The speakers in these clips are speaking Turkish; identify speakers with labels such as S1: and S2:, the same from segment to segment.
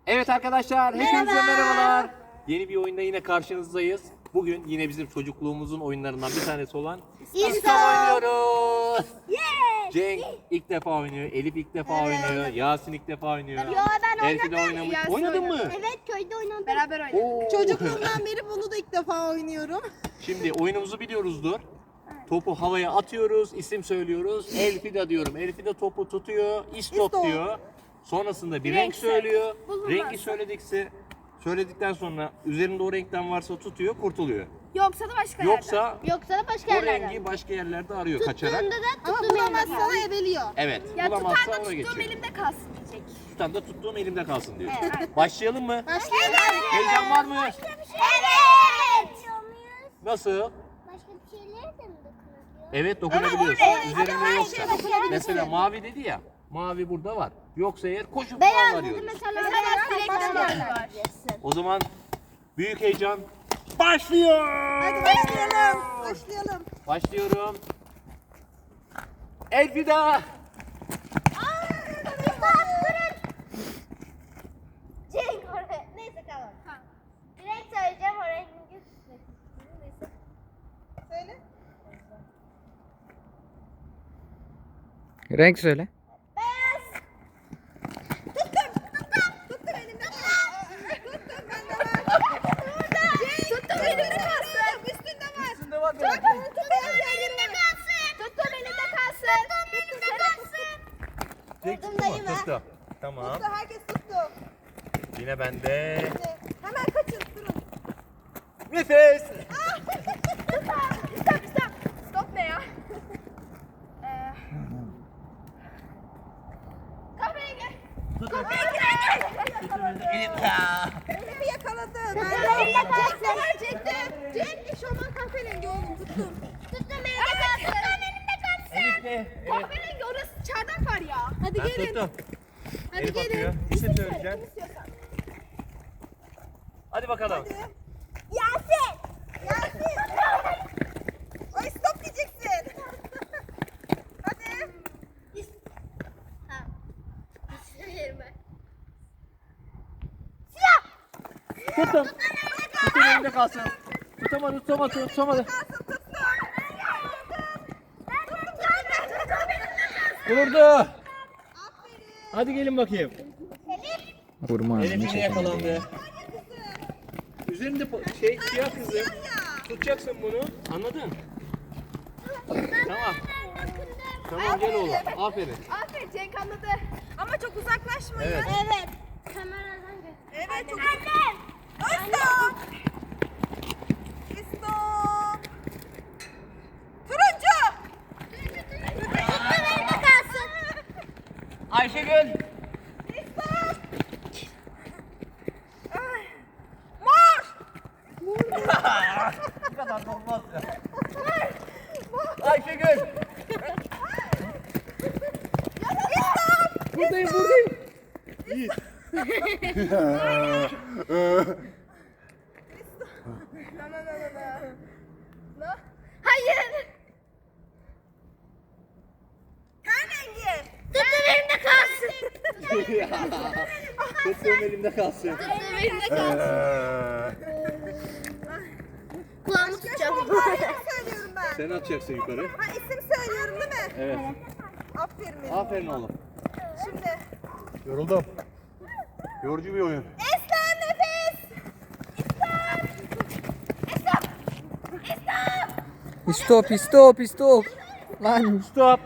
S1: Evet arkadaşlar, hepinize merhabalar. Yeni bir oyunda yine karşınızdayız. Bugün yine bizim çocukluğumuzun oyunlarından bir tanesi olan İstop oynuyoruz. Cenk ilk defa oynuyor, Elif ilk defa oynuyor, Yasin ilk defa oynuyor.
S2: Yo, ben
S1: Elfi de oynamış.
S3: Yasin
S1: Oynadın mı?
S2: Evet, köyde oynadım.
S3: Beraber oynadık.
S1: Oo.
S3: Çocukluğumdan beri bunu da ilk defa oynuyorum.
S1: Şimdi oyunumuzu biliyoruzdur. Topu havaya atıyoruz, isim söylüyoruz. Elfida diyorum. Elfida topu tutuyor, istop
S3: İstop.
S1: diyor. Sonrasında bir renk söylüyor. Rengi söyledikten sonra üzerinde o renkten varsa tutuyor, kurtuluyor.
S3: Yoksa da başka yerden.
S2: Yoksa da başka
S1: O
S2: yerlerden.
S1: rengi başka yerlerde arıyor kaçarak.
S2: Tuttuğunda da
S3: Ama
S2: tuttuğum
S3: bulamazsa
S2: yerden.
S3: da ebeliyor.
S1: Evet,
S3: Ya
S1: bulamazsa
S3: tutar da
S1: ona
S3: tuttuğum
S1: geçiyor.
S3: elimde kalsın diyecek.
S1: Tutan da tuttuğum elimde kalsın diyor. Başlayalım mı?
S3: Başlayalım.
S1: Heyecan var mı?
S2: Evet.
S1: Nasıl?
S2: Başka bir şeylere de mi dokunabiliyor?
S1: Evet, dokunabiliyorsun.
S3: Evet,
S1: Üzerinde
S3: ama her
S1: yoksa.
S3: şeye dokunabilirsin.
S1: Mesela mavi dedi ya. Mavi burada var. Yoksa eğer koşup
S2: Beyaz
S1: mavi
S2: dedi
S1: arıyoruz.
S2: mesela.
S3: Mesela
S2: Beyaz
S3: direkten
S2: var.
S3: var.
S1: O zaman büyük heyecan başlıyor.
S3: Hadi başlayalım. Başlayalım.
S1: Başlıyorum. Elfida.
S2: Cenk oraya. Neyse tamam. Direkt söyleyeceğim oraya. Neyse.
S3: Söyle.
S4: Renk söyle.
S2: Beyaz.
S3: Tuttum elimden. Tuttum elimde kalsın. Üstünde var.
S1: Üstünde var.
S3: Tuttum elimde kalsın. Tuttum elimde kalsın.
S2: Vurdum dayı mı?
S1: Tuttu. Tamam.
S3: Tuttu. Herkes tuttu.
S1: Yine bende.
S3: Hemen kaçın. Durun.
S1: Nefes.
S3: Stop. Stop ne ya? Kahveye gel. Elimi yakaladın.
S2: elimde kalsın.
S3: Cenk eşofman kahverengi oğlum tuttum.
S2: Tuttum elimde kalsın.
S1: Elif de. Evet.
S3: Kahverengi orası çardak var ya. Hadi
S1: Ben
S3: gelin.
S1: tuttum.
S3: Hadi
S1: Elif
S3: gelin.
S1: atıyor. İsim söyleyeceğim.
S3: İstiyorsan.
S1: Hadi bakalım.
S2: Yasin.
S3: Ay stop diyeceksin. Hadi.
S1: Tuttum. Tuttum elimde kalsın. Tutamadı. Vurdu. Hadi gelin bakayım.
S4: Vurma
S1: Elif
S4: ağzını
S1: yine
S4: çekelim.
S1: yakalandı. Üzerinde siyah kızım. Tutacaksın bunu. Anladın? Tamam. Tamam gel oğlum. Aferin.
S3: Aferin Cenk anladı. Ama çok uzaklaşmayın.
S1: Evet.
S2: Evet. Kameradan gör.
S3: Evet çok
S2: Annem.
S3: Stop. Stop. Turuncu.
S2: Tuttum elimde kalsın.
S1: Ayşegül.
S3: Stop. Ay. Mor.
S1: Bu kadar da olmaz ya. Ayşegül. Buradayım. İyi.
S3: No. Hayır. Ten rengi.
S2: Tuttum elimde kalsın.
S1: Tuttuğum elimde kalsın.
S2: Tuttum elimde kalsın. Kulağımı tutacağım.
S3: İsim söylüyorum ben.
S1: Sen atacaksın yukarı.
S3: Ha isim söylüyorum değil mi?
S1: Evet.
S3: Aferin benim.
S1: Aferin oğlum.
S3: Şimdi.
S1: Yoruldum. Yorucu bir oyun.
S3: Esnem nefes.
S4: Stop. Lan
S1: Stop.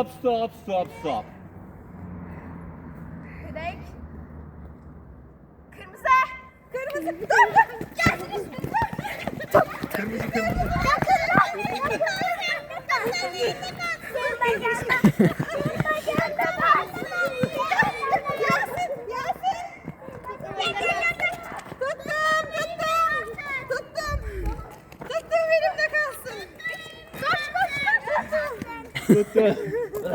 S3: Renk. Kırmızı. Kırmızı. Dur. Gelsin üstüne.
S1: Kırmızı.
S3: Yasin. Tuttum elimde kalsın. Koş.
S1: Tuttu.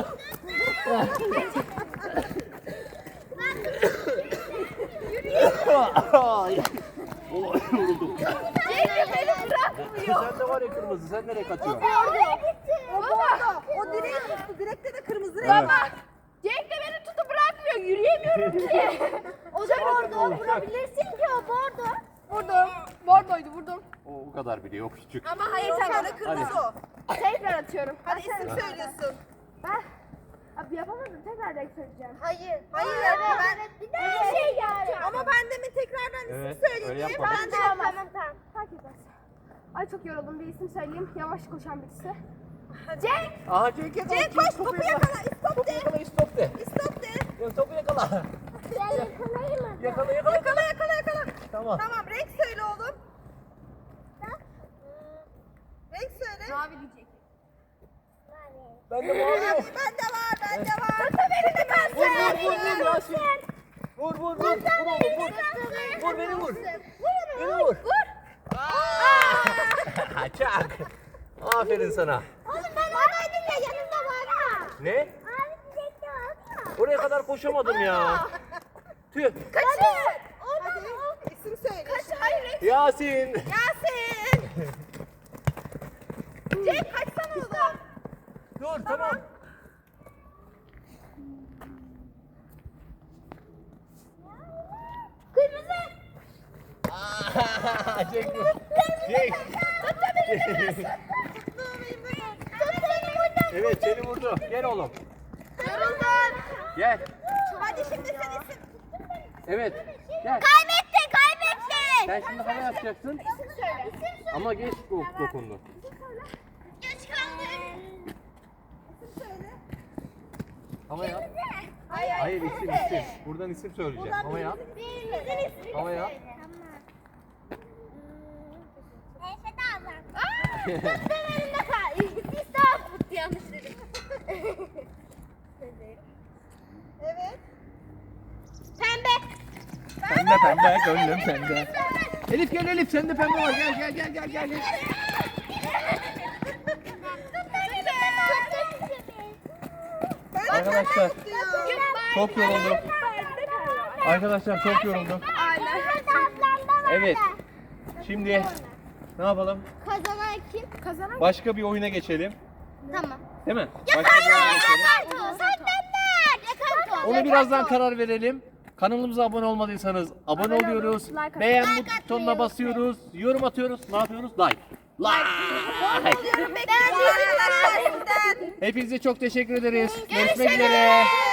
S1: Yoruldum.
S3: Cenk beni bırakmıyor.
S1: Sen de var ya kırmızı. Sen nereye kaçıyorsun?
S3: Baba. O direği tuttu. Direkte de kırmızı renk var. Cenk de beni tutup bırakmıyor. Yürüyemiyorum ki.
S2: O da orada. Vurabilirsin ki o bordo.
S3: Vurdum. Bordoydu vurdum.
S1: O kadar bile yok küçük.
S3: Ama hayır sen kırmızı o. Tekrar atıyorum. Hadi isim
S1: Hadi.
S3: söylüyorsun. Abi yapamadım tekrar renk söyleyeceğim.
S2: Hayır.
S3: Hayır,
S2: Evet. Bir daha şey yani.
S3: Ama ben de mi tekrardan isim
S1: Evet,
S3: söyleyeyim?
S1: öyle yapmadım.
S3: Ben de
S2: Tamam.
S3: fark etmez. Ay çok yoruldum bir isim söyleyeyim. Yavaş koşan birisi.
S1: Aha Cenk yakala.
S3: Cenk koş topu yakala. İstop
S1: Topu
S3: de.
S1: yakala, istop de.
S3: İstop de.
S1: Ya, topu yakala.
S2: Ben yakalayayım mı?
S1: Yakala.
S3: Yakala.
S1: Tamam.
S3: Tamam renk söyle oğlum. Renk söyle. Mavi diyecek.
S1: Ben de mavi yok.
S3: Bende var. Tut elinde kalsın.
S1: Vur Yasin. Vur oğlum vur. Vur beni vur. Beni vur. Çak. Aferin sana.
S2: Oğlum ben oradaydım ya yanımda var ha.
S1: Ne?
S2: Abi çiçekli var ya.
S1: Oraya kadar koşamadım ya. Tüh.
S3: Kaçın. Hadi isim söyle. Kaç. Hayır renk.
S1: Yasin.
S3: Yasin. Cenk kaçsana oğlum.
S1: Dur tamam.
S2: Kırmızı.
S1: Cenk dur. Cenk. Evet seni vurdu. Gel oğlum.
S3: Yoruldum.
S1: Gel.
S3: Hadi şimdi sen isim.
S1: Evet. Gel.
S2: Kaybettin.
S1: Sen şimdi hava yapacaksın.
S3: İsim söyle.
S1: Ama geç dokundu.
S2: Geç kaldım.
S3: İsim söyle.
S1: Hava yap.
S3: Hayır.
S1: Hayır isim. Buradan isim söyleyeceğim. Hava yap. Hava yap.
S2: Efe de alın. Tuttum elimde kal. Biz daha fut yanlış dedim.
S3: Evet.
S2: Pembe.
S1: Pembe gönlüm pembe. Elif gel Elif sende pembe var. Gel. Arkadaşlar çok yoruldum. Arkadaşlar çok yoruldum. Evet. Şimdi ne yapalım?
S2: Kazanan kim? Kazanan
S1: Başka bir oyuna geçelim.
S2: Tamam.
S1: Değil mi? Başka bir oyuna geçelim.
S2: Yakarto.
S1: Onu birazdan karar verelim. Kanalımıza abone olmadıysanız abone oluyoruz. Beğen butonuna basıyoruz. Yorum atıyoruz. Ne yapıyoruz? Like. Hepinize çok teşekkür ederiz. Görüşmek üzere.